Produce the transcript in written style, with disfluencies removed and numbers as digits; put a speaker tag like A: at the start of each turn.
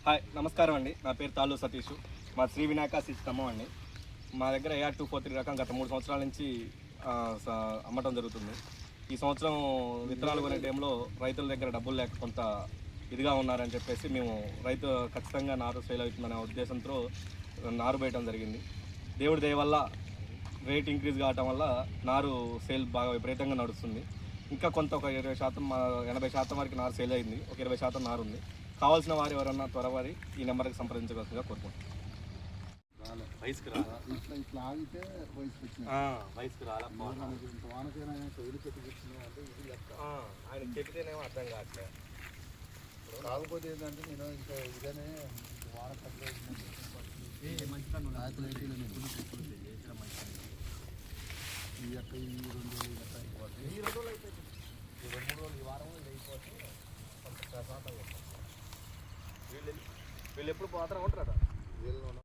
A: Hi నమస్కారం అండి. నా పేరు తాళ్ళు సతీష్. మా శ్రీ వినాయక సిస్టమ్ అండి. మా దగ్గర AR 243 రకం గత 3 సంవత్సరాల నుంచి అమ్మటం జరుగుతుంది. ఈ సంవత్సరం విత్తనాలు కొనే టైంలో రైతుల దగ్గర డబ్బులు లేక కొంత ఇదిగా ఉన్నారని చెప్పేసి మేము రైతు ఖచ్చితంగా నారు సేల్ అవుతుందనే ఉద్దేశంతో నారు వేయడం జరిగింది. దేవుడి దయ వల్ల రేట్ ఇంక్రీజ్ కావటం వల్ల నారు సేల్ బాగా విపరీతంగా నడుస్తుంది. ఇంకా కొంత ఒక 20%, 80% వరకు నారు సేల్ అయింది. ఒక 20% నారు ఉంది. కావాల్సిన వారు ఎవరన్నా త్వరవారి ఈ నెంబర్కి సంప్రదించవలసిందిగా కోరుకుంటున్నాం. వయసుకు రాలా
B: ఇట్లా ఆగితే
A: వయసుకు రాలా ఆయన చెప్తేనేమో అర్థం కావట్లేదు.
B: కాకపోతే ఏంటంటే నేను ఇంకా ఇదనే వాన ఈ యొక్క ఈ 2 రోజులు గట్ట అయిపోతుంది.
A: ఈ 2 రోజులు అయిపోతుంది. ఈ 2-3 రోజులు ఈ వారం ఇది అయిపోతే కొంత ప్రశాంతంగా ఉంటుంది. వీళ్ళు ఎప్పుడు పోతారా ఉంటారా?